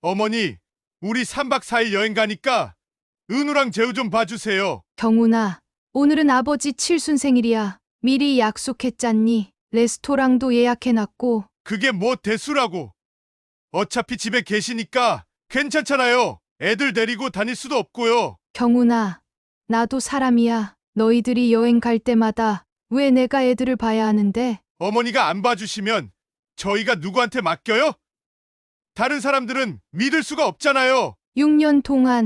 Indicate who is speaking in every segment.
Speaker 1: 어머니, 우리 3박 4일 여행 가니까 은우랑 재우 좀 봐주세요.
Speaker 2: 경훈아, 오늘은 아버지 칠순 생일이야. 미리 약속했잖니. 레스토랑도 예약해놨고.
Speaker 1: 그게 뭐 대수라고. 어차피 집에 계시니까 괜찮잖아요. 애들 데리고 다닐 수도 없고요.
Speaker 2: 경훈아, 나도 사람이야. 너희들이 여행 갈 때마다 왜 내가 애들을 봐야 하는데?
Speaker 1: 어머니가 안 봐주시면 저희가 누구한테 맡겨요? 다른 사람들은 믿을 수가 없잖아요.
Speaker 2: 6년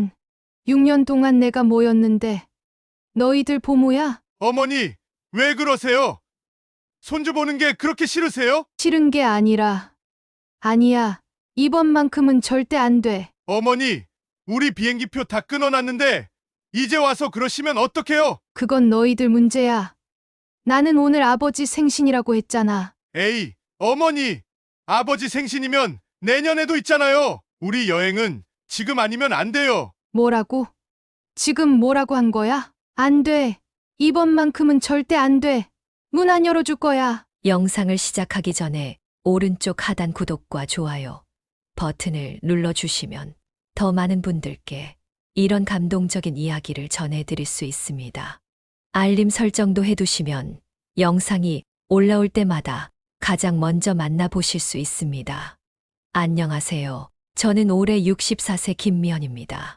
Speaker 2: 동안 내가 뭐였는데? 너희들 보모야?
Speaker 1: 어머니, 왜 그러세요? 손주 보는 게 그렇게 싫으세요?
Speaker 2: 싫은 게 아니라. 아니야. 이번만큼은 절대 안 돼.
Speaker 1: 어머니, 우리 비행기표 다 끊어놨는데 이제 와서 그러시면 어떡해요?
Speaker 2: 그건 너희들 문제야. 나는 오늘 아버지 생신이라고 했잖아.
Speaker 1: 에이, 어머니, 아버지 생신이면 내년에도 있잖아요. 우리 여행은 지금 아니면 안 돼요.
Speaker 2: 뭐라고? 지금 뭐라고 한 거야? 안 돼. 이번만큼은 절대 안 돼. 문 안 열어줄 거야.
Speaker 3: 영상을 시작하기 전에 오른쪽 하단 구독과 좋아요 버튼을 눌러주시면 더 많은 분들께 이런 감동적인 이야기를 전해드릴 수 있습니다. 알림 설정도 해두시면 영상이 올라올 때마다 가장 먼저 만나보실 수 있습니다. 안녕하세요. 저는 올해 64세 김미연입니다.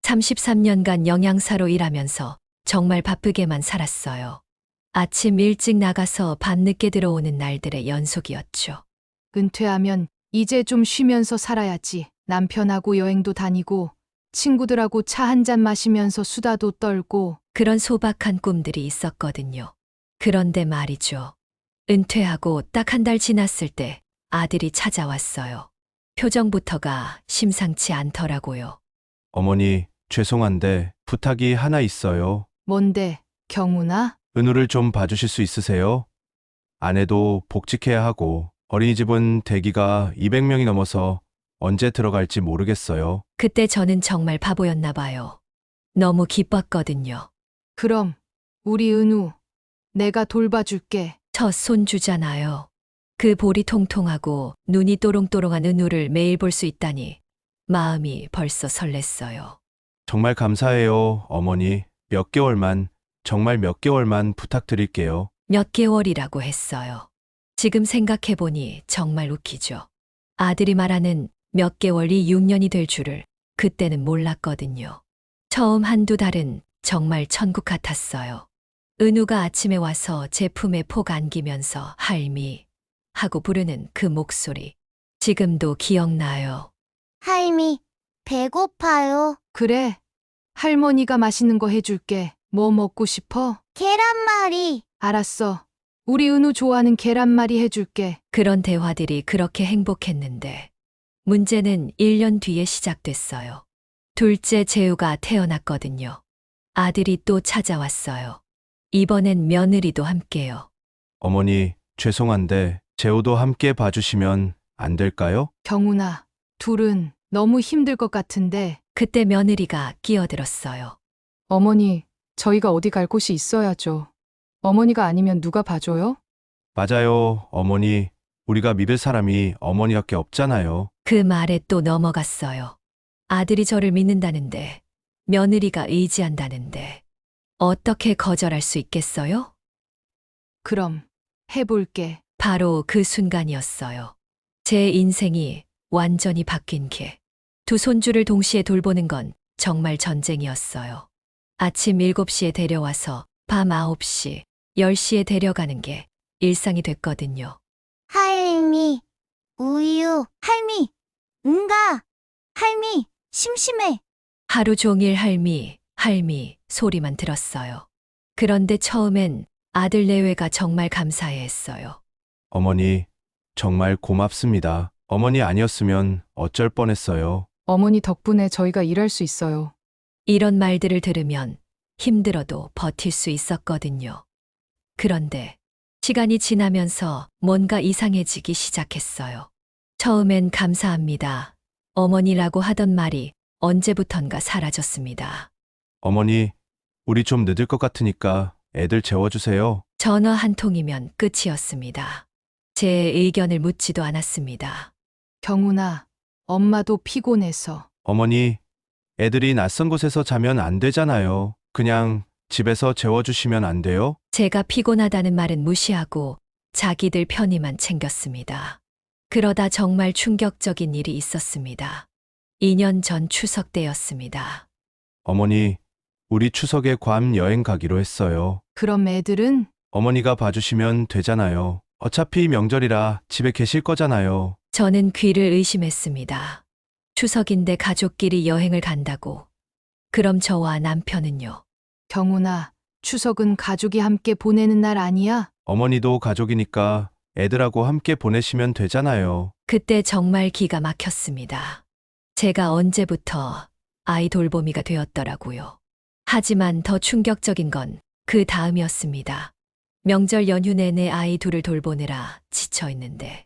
Speaker 3: 33년간 영양사로 일하면서 정말 바쁘게만 살았어요. 아침 일찍 나가서 밤늦게 들어오는 날들의 연속이었죠.
Speaker 2: 은퇴하면 이제 좀 쉬면서 살아야지. 남편하고 여행도 다니고 친구들하고 차 한 잔 마시면서 수다도 떨고.
Speaker 3: 그런 소박한 꿈들이 있었거든요. 그런데 말이죠. 은퇴하고 딱 한 달 지났을 때 아들이 찾아왔어요. 표정부터가 심상치 않더라고요.
Speaker 4: 어머니, 죄송한데 부탁이 하나 있어요.
Speaker 2: 뭔데, 경훈아?
Speaker 4: 은우를 좀 봐주실 수 있으세요? 아내도 복직해야 하고 어린이집은 대기가 200명이 넘어서 언제 들어갈지 모르겠어요.
Speaker 3: 그때 저는 정말 바보였나 봐요. 너무 기뻤거든요.
Speaker 2: 그럼 우리 은우 내가 돌봐줄게.
Speaker 3: 첫 손주잖아요. 그 볼이 통통하고 눈이 또롱또롱한 은우를 매일 볼 수 있다니 마음이 벌써 설렜어요.
Speaker 4: 정말 감사해요, 어머니. 몇 개월만, 정말 몇 개월만 부탁드릴게요.
Speaker 3: 몇 개월이라고 했어요. 지금 생각해보니 정말 웃기죠. 아들이 말하는 몇 개월이 6년이 될 줄을 그때는 몰랐거든요. 처음 한두 달은 정말 천국 같았어요. 은우가 아침에 와서 제 품에 폭 안기면서 할미 하고 부르는 그 목소리. 지금도 기억나요.
Speaker 5: 할미, 배고파요.
Speaker 2: 그래. 할머니가 맛있는 거 해줄게. 뭐 먹고 싶어?
Speaker 5: 계란말이.
Speaker 2: 알았어. 우리 은우 좋아하는 계란말이 해줄게.
Speaker 3: 그런 대화들이 그렇게 행복했는데 문제는 1년 뒤에 시작됐어요. 둘째 재우가 태어났거든요. 아들이 또 찾아왔어요. 이번엔 며느리도 함께요.
Speaker 4: 어머니, 죄송한데 재우도 함께 봐주시면 안 될까요?
Speaker 2: 경훈아, 둘은 너무 힘들 것 같은데.
Speaker 3: 그때 며느리가 끼어들었어요.
Speaker 2: 어머니, 저희가 어디 갈 곳이 있어야죠. 어머니가 아니면 누가 봐줘요?
Speaker 4: 맞아요, 어머니. 우리가 믿을 사람이 어머니밖에 없잖아요.
Speaker 3: 그 말에 또 넘어갔어요. 아들이 저를 믿는다는데, 며느리가 의지한다는데, 어떻게 거절할 수 있겠어요?
Speaker 2: 그럼 해볼게.
Speaker 3: 바로 그 순간이었어요. 제 인생이 완전히 바뀐 게. 두 손주를 동시에 돌보는 건 정말 전쟁이었어요. 아침 7시에 데려와서 밤 9시, 10시에 데려가는 게 일상이 됐거든요.
Speaker 5: 할미, 우유. 할미, 응가. 할미, 심심해.
Speaker 3: 하루 종일 할미, 할미 소리만 들었어요. 그런데 처음엔 아들 내외가 정말 감사해 했어요.
Speaker 4: 어머니, 정말 고맙습니다. 어머니 아니었으면 어쩔 뻔했어요.
Speaker 2: 어머니 덕분에 저희가 일할 수 있어요.
Speaker 3: 이런 말들을 들으면 힘들어도 버틸 수 있었거든요. 그런데 시간이 지나면서 뭔가 이상해지기 시작했어요. 처음엔 감사합니다. 어머니라고 하던 말이 언제부턴가 사라졌습니다.
Speaker 4: 어머니, 우리 좀 늦을 것 같으니까 애들 재워주세요.
Speaker 3: 전화 한 통이면 끝이었습니다. 제 의견을 묻지도 않았습니다.
Speaker 2: 경훈아, 엄마도 피곤해서.
Speaker 4: 어머니, 애들이 낯선 곳에서 자면 안 되잖아요. 그냥 집에서 재워주시면 안 돼요?
Speaker 3: 제가 피곤하다는 말은 무시하고 자기들 편의만 챙겼습니다. 그러다 정말 충격적인 일이 있었습니다. 2년 전 추석 때였습니다.
Speaker 4: 어머니, 우리 추석에 괌 여행 가기로 했어요.
Speaker 2: 그럼 애들은?
Speaker 4: 어머니가 봐주시면 되잖아요. 어차피 명절이라 집에 계실 거잖아요.
Speaker 3: 저는 귀를 의심했습니다. 추석인데 가족끼리 여행을 간다고. 그럼 저와 남편은요?
Speaker 2: 경훈아, 추석은 가족이 함께 보내는 날 아니야?
Speaker 4: 어머니도 가족이니까 애들하고 함께 보내시면 되잖아요.
Speaker 3: 그때 정말 기가 막혔습니다. 제가 언제부터 아이 돌보미가 되었더라고요. 하지만 더 충격적인 건 그 다음이었습니다. 명절 연휴 내내 아이 둘을 돌보느라 지쳐 있는데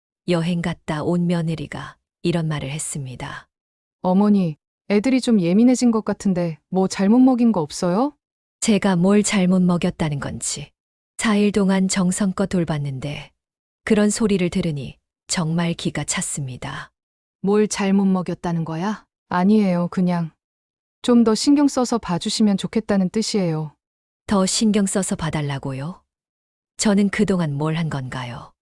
Speaker 3: 여행 갔다 온 며느리가 이런 말을 했습니다.
Speaker 2: 어머니, 애들이 좀 예민해진 것 같은데 뭐 잘못 먹인 거 없어요?
Speaker 3: 제가 뭘 잘못 먹였다는 건지 4일 동안 정성껏 돌봤는데 그런 소리를 들으니 정말 기가 찼습니다.
Speaker 2: 뭘 잘못 먹였다는 거야? 아니에요, 그냥. 좀 더 신경 써서 봐주시면 좋겠다는 뜻이에요.
Speaker 3: 더 신경 써서 봐달라고요? 저는 그동안 뭘 한 건가요?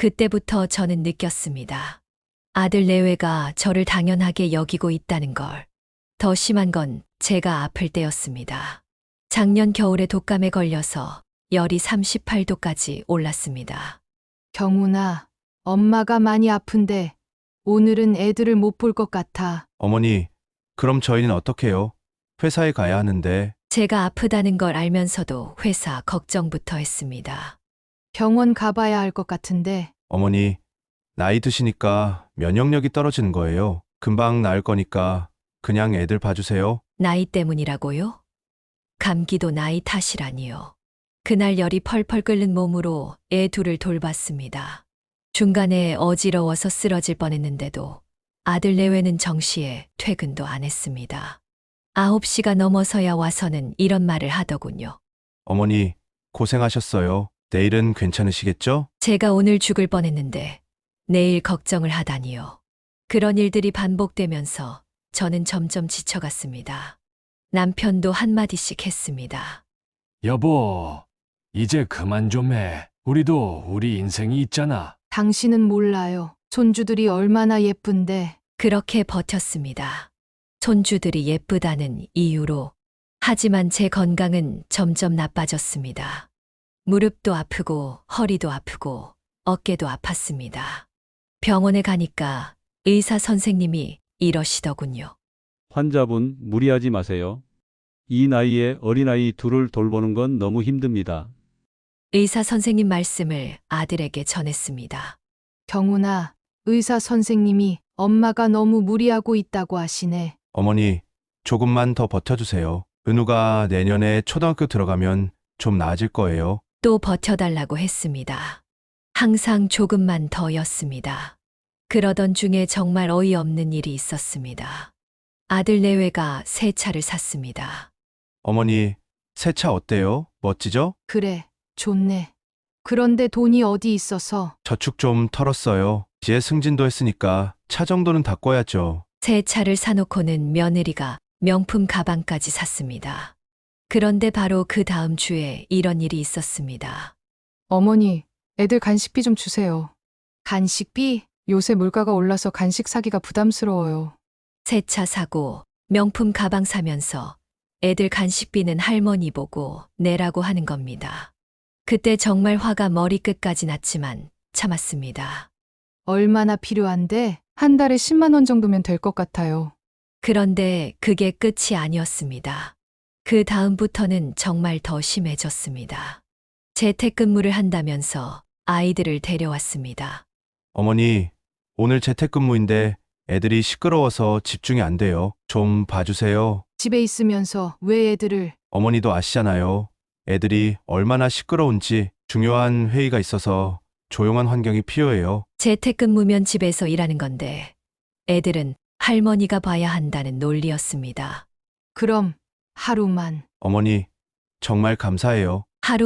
Speaker 3: 그때부터 저는 느꼈습니다. 아들 내외가 저를 당연하게 여기고 있다는 걸. 더 심한 건 제가 아플 때였습니다. 작년 겨울에 독감에 걸려서 열이 38도까지 올랐습니다.
Speaker 2: 경훈아, 엄마가 많이 아픈데 오늘은 애들을 못 볼 것 같아.
Speaker 4: 어머니, 그럼 저희는 어떻게 해요? 회사에 가야 하는데.
Speaker 3: 제가 아프다는 걸 알면서도 회사 걱정부터 했습니다.
Speaker 2: 병원 가봐야 할 것 같은데.
Speaker 4: 어머니, 나이 드시니까 면역력이 떨어지는 거예요. 금방 나을 거니까 그냥 애들 봐주세요.
Speaker 3: 나이 때문이라고요? 감기도 나이 탓이라니요. 그날 열이 펄펄 끓는 몸으로 애 둘을 돌봤습니다. 중간에 어지러워서 쓰러질 뻔했는데도 아들 내외는 정시에 퇴근도 안 했습니다. 9시가 넘어서야 와서는 이런 말을 하더군요.
Speaker 4: 어머니, 고생하셨어요. 내일은 괜찮으시겠죠?
Speaker 3: 제가 오늘 죽을 뻔했는데 내일 걱정을 하다니요. 그런 일들이 반복되면서 저는 점점 지쳐갔습니다. 남편도 한마디씩 했습니다.
Speaker 6: 여보, 이제 그만 좀 해. 우리도 우리 인생이 있잖아.
Speaker 2: 당신은 몰라요. 손주들이 얼마나 예쁜데.
Speaker 3: 그렇게 버텼습니다. 손주들이 예쁘다는 이유로. 하지만 제 건강은 점점 나빠졌습니다. 무릎도 아프고 허리도 아프고 어깨도 아팠습니다. 병원에 가니까 의사 선생님이 이러시더군요.
Speaker 7: 환자분 무리하지 마세요. 이 나이에 어린아이 둘을 돌보는 건 너무 힘듭니다.
Speaker 3: 의사 선생님 말씀을 아들에게 전했습니다.
Speaker 2: 경훈아, 의사 선생님이 엄마가 너무 무리하고 있다고 하시네.
Speaker 4: 어머니, 조금만 더 버텨주세요. 은우가 내년에 초등학교 들어가면 좀 나아질 거예요.
Speaker 3: 또 버텨달라고 했습니다. 항상 조금만 더였습니다. 그러던 중에 정말 어이없는 일이 있었습니다. 아들 내외가 새 차를 샀습니다.
Speaker 4: 어머니, 새 차 어때요? 멋지죠?
Speaker 2: 그래, 좋네. 그런데 돈이 어디 있어서.
Speaker 4: 저축 좀 털었어요. 이제 승진도 했으니까 차 정도는 다 꿔야죠.
Speaker 3: 새 차를 사놓고는 며느리가 명품 가방까지 샀습니다. 그런데 바로 그 다음 주에 이런 일이 있었습니다.
Speaker 2: 어머니, 애들 간식비 좀 주세요. 간식비? 요새 물가가 올라서 간식 사기가 부담스러워요.
Speaker 3: 새 차 사고 명품 가방 사면서 애들 간식비는 할머니 보고 내라고 하는 겁니다. 그때 정말 화가 머리끝까지 났지만 참았습니다.
Speaker 2: 얼마나 필요한데? 한 달에 10만 원 정도면 될 것 같아요.
Speaker 3: 그런데 그게 끝이 아니었습니다. 그 다음부터는 정말 더 심해졌습니다. 재택근무를 한다면서 아이들을 데려왔습니다.
Speaker 4: 어머니, 오늘 재택근무인데 애들이 시끄러워서 집중이 안 돼요. 좀 봐주세요.
Speaker 2: 집에 있으면서 왜 애들을.
Speaker 4: 어머니도 아시잖아요. 애들이 얼마나 시끄러운지. 중요한 회의가 있어서 조용한 환경이 필요해요.
Speaker 3: 재택근무면 집에서 일하는 건데 애들은 할머니가 봐야 한다는 논리였습니다.
Speaker 2: 그럼 하루만.
Speaker 4: 어머니, 정말 감사해요.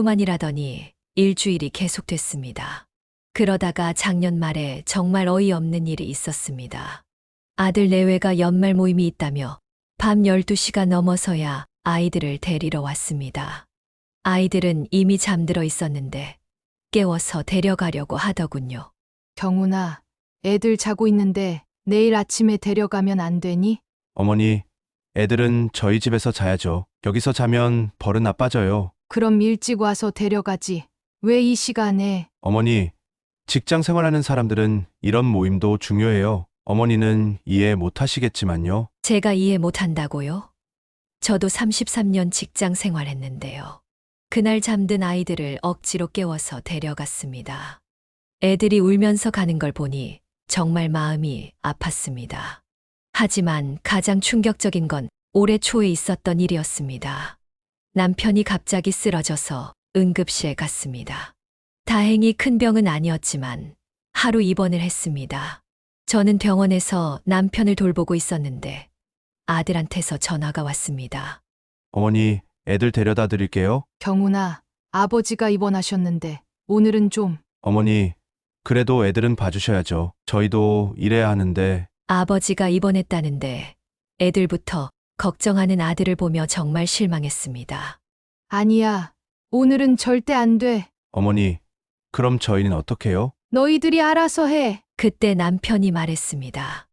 Speaker 3: 하루만이라더니 일주일이 계속됐습니다. 그러다가 작년 말에 정말 어이없는 일이 있었습니다. 아들 내외가 연말 모임이 있다며 밤 12시가 넘어서야 아이들을 데리러 왔습니다. 아이들은 이미 잠들어 있었는데 깨워서 데려가려고 하더군요.
Speaker 2: 경훈아, 애들 자고 있는데 내일 아침에 데려가면 안 되니?
Speaker 4: 어머니, 애들은 저희 집에서 자야죠. 여기서 자면 벌은 나빠져요.
Speaker 2: 그럼 일찍 와서 데려가지. 왜 이 시간에?
Speaker 4: 어머니, 직장 생활하는 사람들은 이런 모임도 중요해요. 어머니는 이해 못 하시겠지만요.
Speaker 3: 제가 이해 못한다고요? 저도 33년 직장 생활했는데요. 그날 잠든 아이들을 억지로 깨워서 데려갔습니다. 애들이 울면서 가는 걸 보니 정말 마음이 아팠습니다. 하지만 가장 충격적인 건 올해 초에 있었던 일이었습니다. 남편이 갑자기 쓰러져서 응급실에 갔습니다. 다행히 큰 병은 아니었지만 하루 입원을 했습니다. 저는 병원에서 남편을 돌보고 있었는데 아들한테서 전화가 왔습니다.
Speaker 4: 어머니, 애들 데려다 드릴게요.
Speaker 2: 경훈아, 아버지가 입원하셨는데 오늘은 좀.
Speaker 4: 어머니, 그래도 애들은 봐주셔야죠. 저희도 일해야 하는데.
Speaker 3: 아버지가 입원했다는데 애들부터 걱정하는 아들을 보며 정말 실망했습니다.
Speaker 2: 아니야. 오늘은 절대 안 돼.
Speaker 4: 어머니, 그럼 저희는 어떡해요?
Speaker 2: 너희들이 알아서 해.
Speaker 3: 그때 남편이 말했습니다.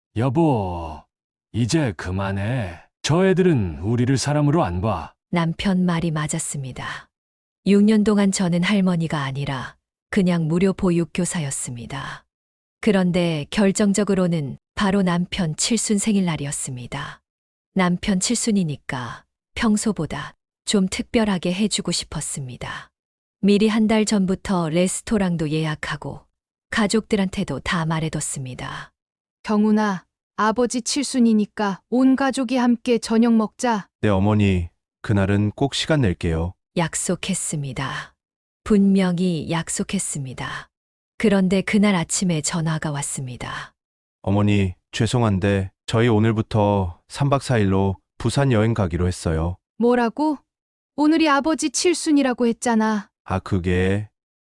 Speaker 6: 여보, 이제 그만해. 저 애들은 우리를 사람으로 안 봐.
Speaker 3: 남편 말이 맞았습니다. 6년 동안 저는 할머니가 아니라 그냥 무료 보육교사였습니다. 그런데 결정적으로는 바로 남편 칠순 생일날이었습니다. 남편 칠순이니까 평소보다 좀 특별하게 해주고 싶었습니다. 미리 한 달 전부터 레스토랑도 예약하고 가족들한테도 다 말해뒀습니다.
Speaker 2: 경훈아, 아버지 칠순이니까 온 가족이 함께 저녁 먹자.
Speaker 4: 네, 어머니, 그날은 꼭 시간 낼게요.
Speaker 3: 약속했습니다. 분명히 약속했습니다. 그런데 그날 아침에 전화가 왔습니다.
Speaker 4: 어머니, 죄송한데 저희 오늘부터 3박 4일로 부산 여행 가기로 했어요.
Speaker 2: 뭐라고? 오늘이 아버지 칠순이라고 했잖아.
Speaker 4: 아, 그게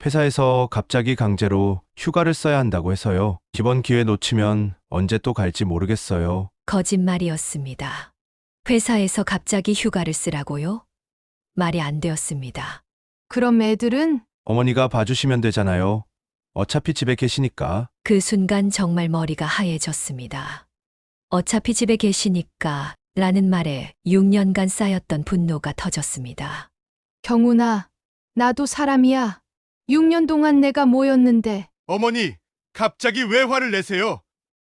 Speaker 4: 회사에서 갑자기 강제로 휴가를 써야 한다고 해서요. 이번 기회 놓치면 언제 또 갈지 모르겠어요.
Speaker 3: 거짓말이었습니다. 회사에서 갑자기 휴가를 쓰라고요? 말이 안 되었습니다.
Speaker 2: 그럼 애들은?
Speaker 4: 어머니가 봐주시면 되잖아요. 어차피 집에 계시니까.
Speaker 3: 그 순간 정말 머리가 하얘졌습니다. 어차피 집에 계시니까 라는 말에 6년간 쌓였던 분노가 터졌습니다.
Speaker 2: 경훈아, 나도 사람이야. 6년 동안 내가 뭐였는데.
Speaker 1: 어머니, 갑자기 왜 화를 내세요?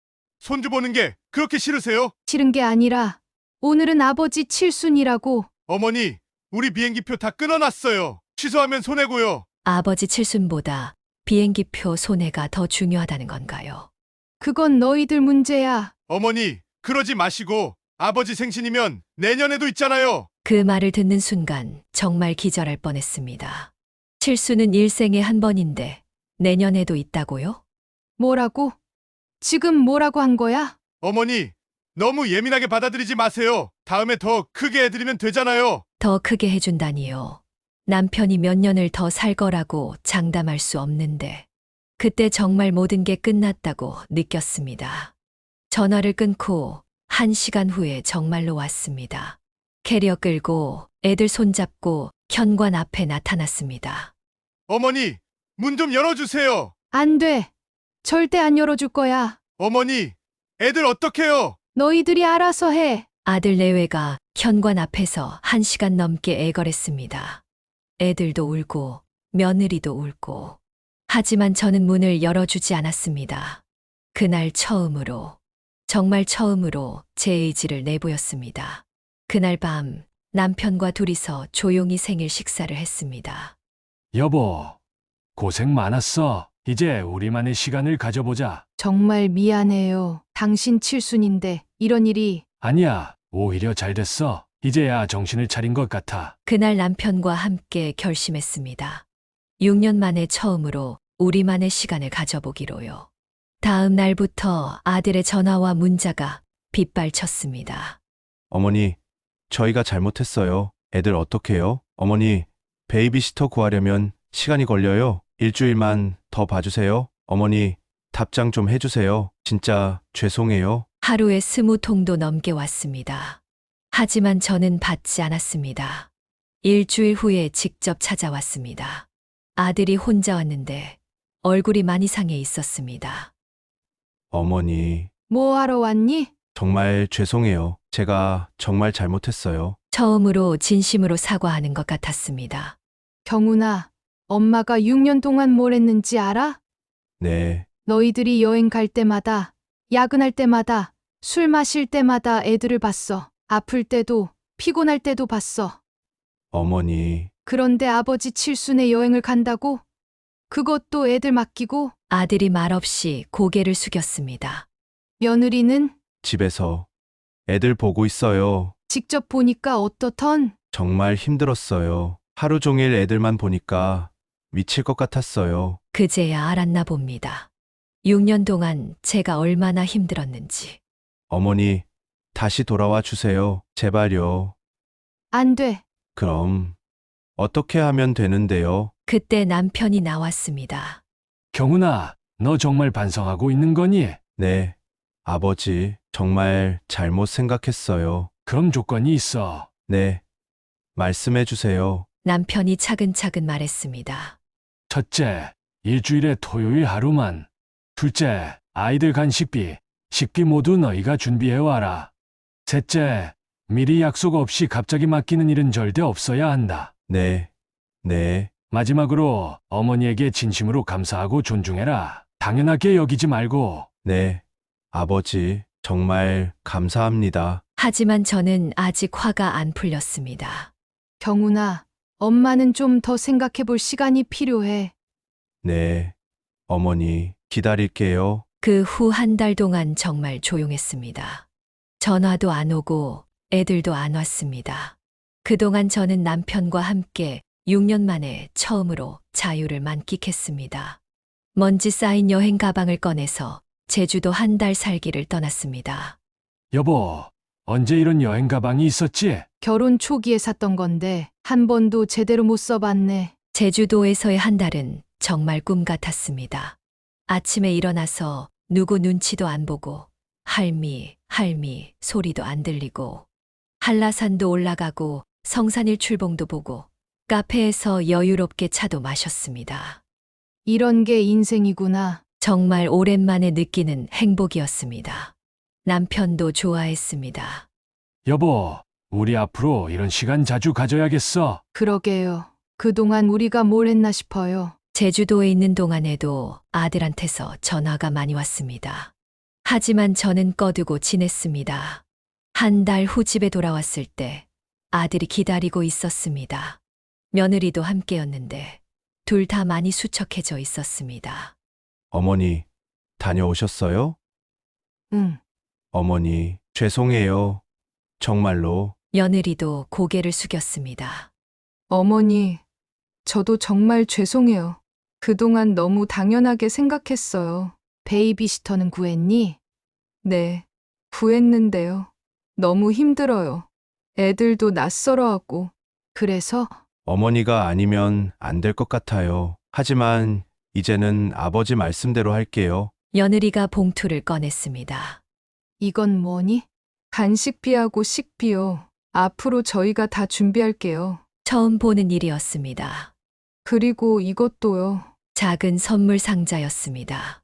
Speaker 1: 손주 보는 게 그렇게 싫으세요?
Speaker 2: 싫은 게 아니라 오늘은 아버지 칠순이라고.
Speaker 1: 어머니, 우리 비행기표 다 끊어놨어요. 취소하면 손해고요.
Speaker 3: 아버지 칠순보다 비행기표 손해가 더 중요하다는 건가요?
Speaker 2: 그건 너희들 문제야.
Speaker 1: 어머니, 그러지 마시고 아버지 생신이면 내년에도 있잖아요.
Speaker 3: 그 말을 듣는 순간 정말 기절할 뻔했습니다. 칠수는 일생에 한 번인데 내년에도 있다고요?
Speaker 2: 뭐라고? 지금 뭐라고 한 거야?
Speaker 1: 어머니, 너무 예민하게 받아들이지 마세요. 다음에 더 크게 해드리면 되잖아요.
Speaker 3: 더 크게 해준다니요. 남편이 몇 년을 더 살 거라고 장담할 수 없는데 그때 정말 모든 게 끝났다고 느꼈습니다. 전화를 끊고 1시간 후에 정말로 왔습니다. 캐리어 끌고 애들 손잡고 현관 앞에 나타났습니다.
Speaker 1: 어머니, 문 좀 열어주세요.
Speaker 2: 안 돼. 절대 안 열어줄 거야.
Speaker 1: 어머니, 애들 어떡해요?
Speaker 2: 너희들이 알아서 해.
Speaker 3: 아들 내외가 현관 앞에서 1시간 넘게 애걸했습니다. 애들도 울고 며느리도 울고. 하지만 저는 문을 열어주지 않았습니다. 그날 처음으로, 정말 처음으로 제 의지를 내보였습니다. 그날 밤 남편과 둘이서 조용히 생일 식사를 했습니다.
Speaker 6: 여보, 고생 많았어. 이제 우리만의 시간을 가져보자.
Speaker 2: 정말 미안해요. 당신 칠순인데 이런 일이.
Speaker 6: 아니야, 오히려 잘 됐어. 이제야 정신을 차린 것 같아.
Speaker 3: 그날 남편과 함께 결심했습니다. 6년 만에 처음으로 우리만의 시간을 가져보기로요. 다음 날부터 아들의 전화와 문자가 빗발쳤습니다.
Speaker 4: 어머니, 저희가 잘못했어요. 애들 어떡해요? 어머니, 베이비시터 구하려면 시간이 걸려요. 일주일만 더 봐주세요. 어머니, 답장 좀 해주세요. 진짜 죄송해요.
Speaker 3: 하루에 20통도 넘게 왔습니다. 하지만 저는 받지 않았습니다. 일주일 후에 직접 찾아왔습니다. 아들이 혼자 왔는데 얼굴이 많이 상해 있었습니다.
Speaker 4: 어머니,
Speaker 2: 뭐 하러 왔니?
Speaker 4: 정말 죄송해요. 제가 정말 잘못했어요.
Speaker 3: 처음으로 진심으로 사과하는 것 같았습니다.
Speaker 2: 경훈아, 엄마가 6년 동안 뭘 했는지 알아?
Speaker 4: 네,
Speaker 2: 너희들이 여행 갈 때마다, 야근할 때마다, 술 마실 때마다 애들을 봤어. 아플 때도, 피곤할 때도 봤어.
Speaker 4: 어머니,
Speaker 2: 그런데 아버지 칠순에 여행을 간다고? 그것도 애들 맡기고?
Speaker 3: 아들이 말없이 고개를 숙였습니다.
Speaker 2: 며느리는
Speaker 4: 집에서 애들 보고 있어요.
Speaker 2: 직접 보니까 어떻던?
Speaker 4: 정말 힘들었어요. 하루 종일 애들만 보니까 미칠 것 같았어요.
Speaker 3: 그제야 알았나 봅니다. 6년 동안 제가 얼마나 힘들었는지.
Speaker 4: 어머니, 다시 돌아와 주세요. 제발요.
Speaker 2: 안 돼.
Speaker 4: 그럼 어떻게 하면 되는데요?
Speaker 3: 그때 남편이 나왔습니다.
Speaker 6: 경훈아, 너 정말 반성하고 있는 거니?
Speaker 4: 네, 아버지, 정말 잘못 생각했어요.
Speaker 6: 그럼 조건이 있어.
Speaker 4: 네, 말씀해 주세요.
Speaker 3: 남편이 차근차근 말했습니다.
Speaker 6: 첫째, 일주일에 토요일 하루만. 둘째, 아이들 간식비, 식비 모두 너희가 준비해와라. 셋째, 미리 약속 없이 갑자기 맡기는 일은 절대 없어야 한다.
Speaker 4: 네, 네,
Speaker 6: 마지막으로 어머니에게 진심으로 감사하고 존중해라. 당연하게 여기지 말고.
Speaker 4: 네. 아버지, 정말 감사합니다.
Speaker 3: 하지만 저는 아직 화가 안 풀렸습니다.
Speaker 2: 경훈아, 엄마는 좀 더 생각해 볼 시간이 필요해.
Speaker 4: 네, 어머니, 기다릴게요.
Speaker 3: 그 후 한 달 동안 정말 조용했습니다. 전화도 안 오고 애들도 안 왔습니다. 그동안 저는 남편과 함께 6년 만에 처음으로 자유를 만끽했습니다. 먼지 쌓인 여행 가방을 꺼내서 제주도 한 달 살기를 떠났습니다.
Speaker 6: 여보, 언제 이런 여행 가방이 있었지?
Speaker 2: 결혼 초기에 샀던 건데 한 번도 제대로 못 써봤네.
Speaker 3: 제주도에서의 한 달은 정말 꿈 같았습니다. 아침에 일어나서 누구 눈치도 안 보고 할미 소리도 안 들리고 한라산도 올라가고 성산일 출봉도 보고 카페에서 여유롭게 차도 마셨습니다.
Speaker 2: 이런 게 인생이구나.
Speaker 3: 정말 오랜만에 느끼는 행복이었습니다. 남편도 좋아했습니다.
Speaker 6: 여보, 우리 앞으로 이런 시간 자주 가져야겠어.
Speaker 2: 그러게요. 그동안 우리가 뭘 했나 싶어요.
Speaker 3: 제주도에 있는 동안에도 아들한테서 전화가 많이 왔습니다. 하지만 저는 꺼두고 지냈습니다. 한 달 후 집에 돌아왔을 때 아들이 기다리고 있었습니다. 며느리도 함께였는데 둘 다 많이 수척해져 있었습니다.
Speaker 4: 어머니, 다녀오셨어요?
Speaker 2: 응.
Speaker 4: 어머니, 죄송해요. 정말로.
Speaker 3: 며느리도 고개를 숙였습니다.
Speaker 2: 어머니, 저도 정말 죄송해요. 그동안 너무 당연하게 생각했어요. 베이비시터는 구했니? 네, 구했는데요. 너무 힘들어요. 애들도 낯설어하고. 그래서
Speaker 4: 어머니가 아니면 안 될 것 같아요. 하지만 이제는 아버지 말씀대로 할게요.
Speaker 3: 며느리가 봉투를 꺼냈습니다.
Speaker 2: 이건 뭐니? 간식비하고 식비요. 앞으로 저희가 다 준비할게요.
Speaker 3: 처음 보는 일이었습니다.
Speaker 2: 그리고 이것도요.
Speaker 3: 작은 선물 상자였습니다.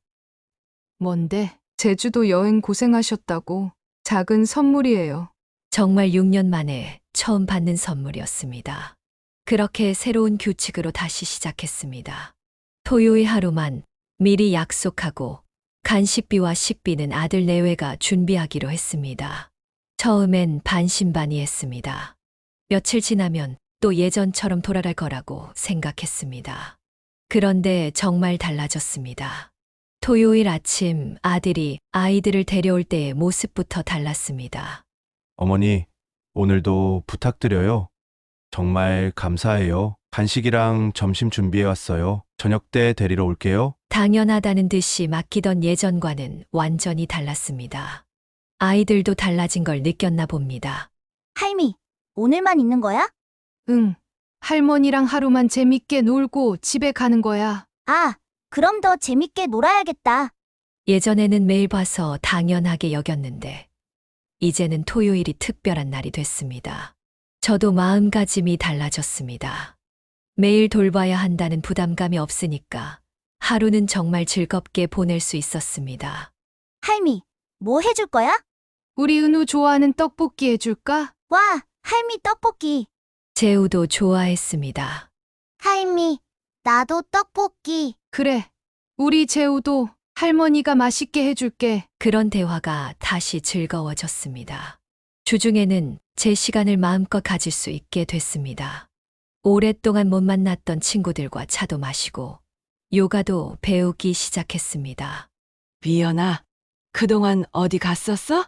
Speaker 2: 뭔데? 제주도 여행 고생하셨다고. 작은 선물이에요.
Speaker 3: 정말 6년 만에 처음 받는 선물이었습니다. 그렇게 새로운 규칙으로 다시 시작했습니다. 토요일 하루만 미리 약속하고 간식비와 식비는 아들 내외가 준비하기로 했습니다. 처음엔 반신반의했습니다. 며칠 지나면 또 예전처럼 돌아갈 거라고 생각했습니다. 그런데 정말 달라졌습니다. 토요일 아침 아들이 아이들을 데려올 때의 모습부터 달랐습니다.
Speaker 4: 어머니, 오늘도 부탁드려요. 정말 감사해요. 간식이랑 점심 준비해 왔어요. 저녁 때 데리러 올게요.
Speaker 3: 당연하다는 듯이 맡기던 예전과는 완전히 달랐습니다. 아이들도 달라진 걸 느꼈나 봅니다.
Speaker 5: 할미, 오늘만 있는 거야?
Speaker 2: 응. 할머니랑 하루만 재밌게 놀고 집에 가는 거야.
Speaker 5: 아, 그럼 더 재밌게 놀아야겠다.
Speaker 3: 예전에는 매일 봐서 당연하게 여겼는데, 이제는 토요일이 특별한 날이 됐습니다. 저도 마음가짐이 달라졌습니다. 매일 돌봐야 한다는 부담감이 없으니까 하루는 정말 즐겁게 보낼 수 있었습니다.
Speaker 5: 할미, 뭐 해줄 거야?
Speaker 2: 우리 은우 좋아하는 떡볶이 해줄까?
Speaker 5: 와, 할미 떡볶이.
Speaker 3: 재우도 좋아했습니다.
Speaker 5: 할미, 나도 떡볶이.
Speaker 2: 그래. 우리 재우도 할머니가 맛있게 해줄게.
Speaker 3: 그런 대화가 다시 즐거워졌습니다. 주중에는 제 시간을 마음껏 가질 수 있게 됐습니다. 오랫동안 못 만났던 친구들과 차도 마시고 요가도 배우기 시작했습니다.
Speaker 8: 미연아, 그동안 어디 갔었어?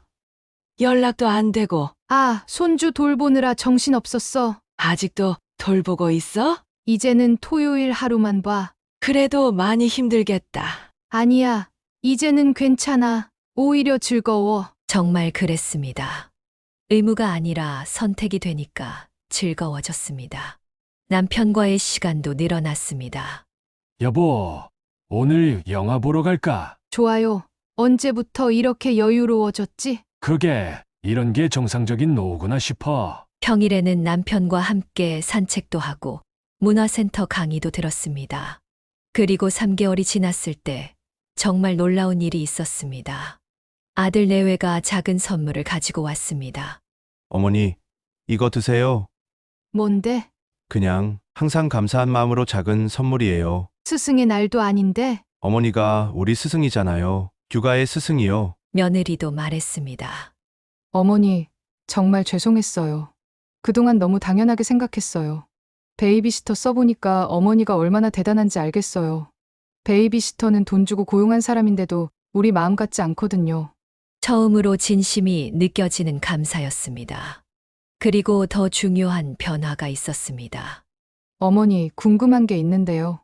Speaker 8: 연락도 안 되고
Speaker 2: 아, 손주 돌보느라 정신없었어.
Speaker 8: 아직도 돌보고 있어?
Speaker 2: 이제는 토요일 하루만 봐.
Speaker 8: 그래도 많이 힘들겠다.
Speaker 2: 아니야. 이제는 괜찮아. 오히려 즐거워.
Speaker 3: 정말 그랬습니다. 의무가 아니라 선택이 되니까 즐거워졌습니다. 남편과의 시간도 늘어났습니다.
Speaker 6: 여보, 오늘 영화 보러 갈까?
Speaker 2: 좋아요. 언제부터 이렇게 여유로워졌지?
Speaker 6: 그게 이런 게 정상적인 노후구나 싶어.
Speaker 3: 평일에는 남편과 함께 산책도 하고 문화센터 강의도 들었습니다. 그리고 3개월이 지났을 때 정말 놀라운 일이 있었습니다. 아들 내외가 작은 선물을 가지고 왔습니다.
Speaker 4: 어머니, 이거 드세요.
Speaker 2: 뭔데?
Speaker 4: 그냥 항상 감사한 마음으로 작은 선물이에요.
Speaker 2: 스승의 날도 아닌데?
Speaker 4: 어머니가 우리 스승이잖아요. 육아의 스승이요.
Speaker 3: 며느리도 말했습니다.
Speaker 2: 어머니, 정말 죄송했어요. 그동안 너무 당연하게 생각했어요. 베이비시터 써보니까 어머니가 얼마나 대단한지 알겠어요. 베이비시터는 돈 주고 고용한 사람인데도 우리 마음 같지 않거든요.
Speaker 3: 처음으로 진심이 느껴지는 감사였습니다. 그리고 더 중요한 변화가 있었습니다.
Speaker 2: 어머니, 궁금한 게 있는데요.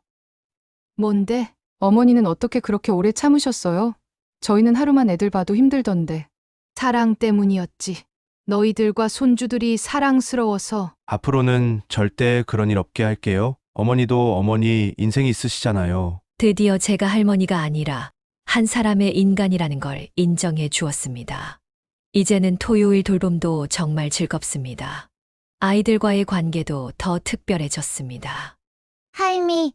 Speaker 2: 뭔데? 어머니는 어떻게 그렇게 오래 참으셨어요? 저희는 하루만 애들 봐도 힘들던데. 사랑 때문이었지. 너희들과 손주들이 사랑스러워서.
Speaker 4: 앞으로는 절대 그런 일 없게 할게요. 어머니도 어머니 인생이 있으시잖아요.
Speaker 3: 드디어 제가 할머니가 아니라 한 사람의 인간이라는 걸 인정해 주었습니다. 이제는 토요일 돌봄도 정말 즐겁습니다. 아이들과의 관계도 더 특별해졌습니다.
Speaker 5: 할미,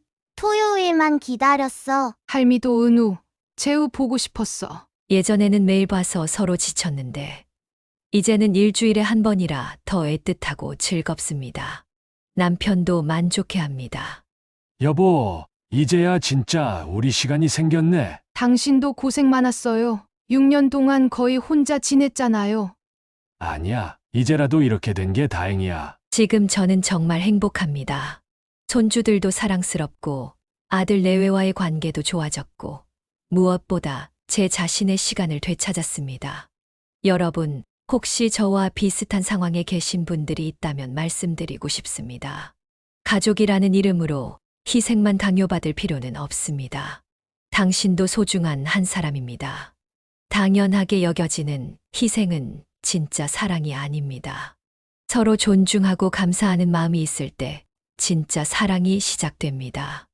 Speaker 5: 토요일만 기다렸어.
Speaker 2: 할미도 은우, 재우 보고 싶었어.
Speaker 3: 예전에는 매일 봐서 서로 지쳤는데 이제는 일주일에 한 번이라 더 애틋하고 즐겁습니다. 남편도 만족해합니다.
Speaker 6: 여보, 이제야 진짜 우리 시간이 생겼네.
Speaker 2: 당신도 고생 많았어요. 6년 동안 거의 혼자 지냈잖아요.
Speaker 6: 아니야, 이제라도 이렇게 된 게 다행이야.
Speaker 3: 지금 저는 정말 행복합니다. 손주들도 사랑스럽고 아들 내외와의 관계도 좋아졌고 무엇보다 제 자신의 시간을 되찾았습니다. 여러분, 혹시 저와 비슷한 상황에 계신 분들이 있다면 말씀드리고 싶습니다. 가족이라는 이름으로 희생만 강요받을 필요는 없습니다. 당신도 소중한 한 사람입니다. 당연하게 여겨지는 희생은 진짜 사랑이 아닙니다. 서로 존중하고 감사하는 마음이 있을 때 진짜 사랑이 시작됩니다.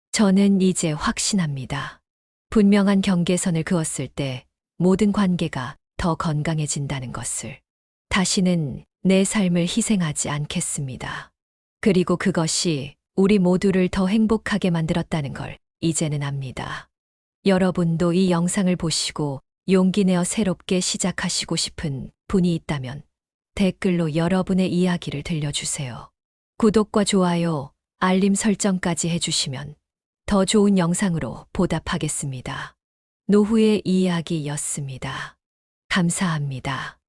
Speaker 3: 저는 이제 확신합니다. 분명한 경계선을 그었을 때 모든 관계가 더 건강해진다는 것을. 다시는 내 삶을 희생하지 않겠습니다. 그리고 그것이 우리 모두를 더 행복하게 만들었다는 걸 이제는 압니다. 여러분도 이 영상을 보시고 용기 내어 새롭게 시작하시고 싶은 분이 있다면 댓글로 여러분의 이야기를 들려주세요. 구독과 좋아요, 알림 설정까지 해주시면 더 좋은 영상으로 보답하겠습니다. 노후의 이야기였습니다. 감사합니다.